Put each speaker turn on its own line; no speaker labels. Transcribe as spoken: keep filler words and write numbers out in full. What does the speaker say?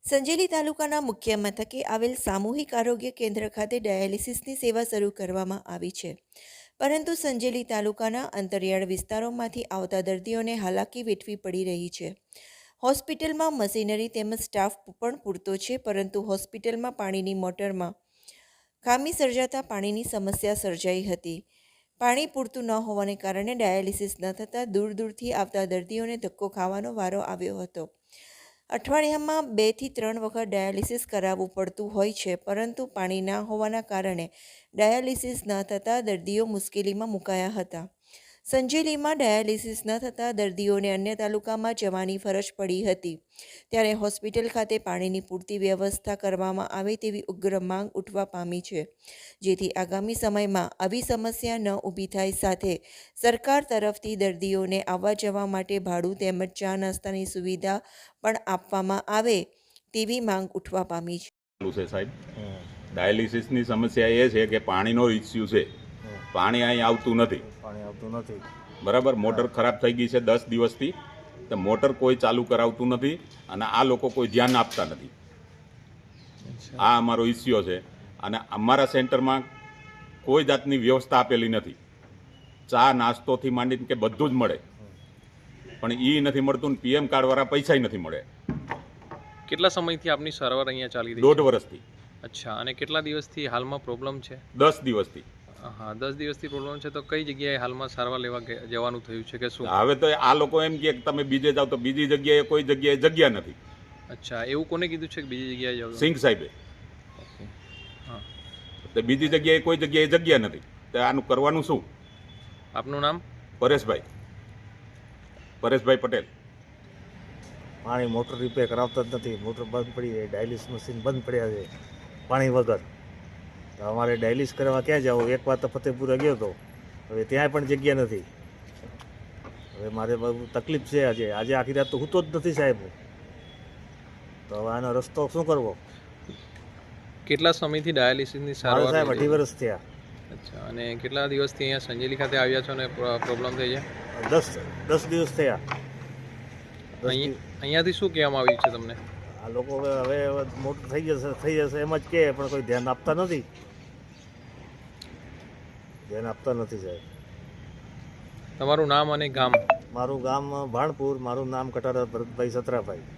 સંજેલી તાલુકાના મુખ્ય મથકે આવેલ સામૂહિક આરોગ્ય કેન્દ્ર ખાતે ડાયાલિસિસની સેવા શરૂ કરવામાં આવી છે. પરંતુ સંજેલી તાલુકાના અંતરિયાળ વિસ્તારોમાંથી આવતા દર્દીઓને હાલાકી વેઠવી પડી રહી છે. હોસ્પિટલમાં મશીનરી તેમજ સ્ટાફ પણ પૂરતો છે, પરંતુ હોસ્પિટલમાં પાણીની મોટરમાં ખામી સર્જાતા પાણીની સમસ્યા સર્જાઈ હતી. પાણી પૂરતું ન હોવાને કારણે ડાયાલિસિસ ન થતાં દૂર દૂરથી આવતા દર્દીઓને ધક્કો ખાવાનો વારો આવ્યો હતો. અઠવાડિયામાં બેથી ત્રણ વખત ડાયાલિસિસ કરાવવું પડતું હોય છે, પરંતુ પાણી ના હોવાના કારણે ડાયાલિસિસ ન થતાં દર્દીઓ મુશ્કેલીમાં મુકાયા હતા. સંજેલીમાં ડાયાલિસિસ ન થતાં દર્દીઓને અન્ય તાલુકામાં જવાની ફરજ પડી હતી. ત્યારે હોસ્પિટલ ખાતે પાણીની પૂરતી વ્યવસ્થા કરવામાં આવે તેવી ઉગ્ર માંગ ઉઠવા પામી છે, જેથી આગામી સમયમાં આવી સમસ્યા ન ઊભી થાય. સાથે સરકાર તરફથી દર્દીઓને આવવા જવા માટે ભાડું તેમજ ચા નાસ્તાની સુવિધા પણ આપવામાં આવે તેવી માંગ ઉઠવા પામી છે.
છે સાહેબ, ડાયાલિસિસની સમસ્યા એ છે કે પાણીનો ઇસ્યુ છે. પાણી અહીં આવતું નથી
પાણી આવતું નથી
બરાબર. મોટર ખરાબ થઈ ગઈ છે દસ દિવસથી, તો મોટર કોઈ ચાલુ કરાવતું નથી અને આ લોકો કોઈ ધ્યાન આપતા નથી. આ અમારો ઇસ્યુ છે. અને અમારા સેન્ટરમાં કોઈ જાતની વ્યવસ્થા આપેલી નથી. ચા નાસ્તોથી માંડીને કે બધું જ મળે, પણ એ નથી મળતું ને પીએમ કાર્ડવાળા પૈસા નથી મળે.
કેટલા સમયથી આપની સારવાર અહીંયા ચાલી રહી છે?
દોઢ વર્ષથી.
અચ્છા, અને કેટલા દિવસથી હાલમાં પ્રોબ્લેમ છે?
દસ દિવસથી.
હા, દસ દિવસથી પ્રોબ્લેમ છે. તો કઈ જગ્યાએ હાલમાં સારવાર લેવા ગે- જવાનું થયું છે કે શું?
હવે તો આ લોકો એમ કહે કે તમે બીજે જાઓ, તો બીજી જગ્યાએ કોઈ જગ્યાએ જગ્યા નથી.
અચ્છા, એવું કોને કીધું છે કે બીજી જગ્યાએ જાવ?
સિંઘ સાહેબે.
હા,
તો બીજી જગ્યાએ કોઈ જગ્યાએ જગ્યા નથી, તો આનું કરવાનું શું?
આપનું નામ?
પરેશભાઈ પરેશભાઈ પટેલ.
પાણી મોટર રિપેર કરાવતા જ નથી. મોટર બંધ પડી છે, ડાયાલિસ મશીન બંધ પડ્યા છે પાણી વગર. તો અમારે ડાયાલિસ કરવા ક્યાં જવું? એક વાર તો ફતેપુરા ગયો હતો, હવે ત્યાં પણ જગ્યા નથી. હવે મારે બહુ તકલીફ છે. આજે આજે આખી રાત તો સૂતો જ નથી સાહેબ. તો હવે આનો રસ્તો શું કરવો?
કેટલા સમયથી ડાયાલિસિસની
મારે
સારવાર
સાહેબ
લઈ
અઢી
રહી
વર્ષ થયા.
છે? અચ્છા, અને કેટલા દિવસથી અહીંયા સંજેલી ખાતે આવ્યા છો અને પ્રોબ્લેમ થઈ છે?
દસ દસ દિવસ થયા. દસ
અહીં
દિવસ
અહીંયાથી શું કહેવામાં આવ્યું છે તમને?
આ લોકો હવે હવે મોટર થઈ જશે થઈ જશે એમ જ કહે, પણ કોઈ ધ્યાન આપતા નથી. ધ્યાન આપતા નથી સાહેબ.
તમારું નામ અને ગામ?
મારું ગામ ભાણપુર, મારું નામ કટારા ભરતભાઈ સતરાભાઈ.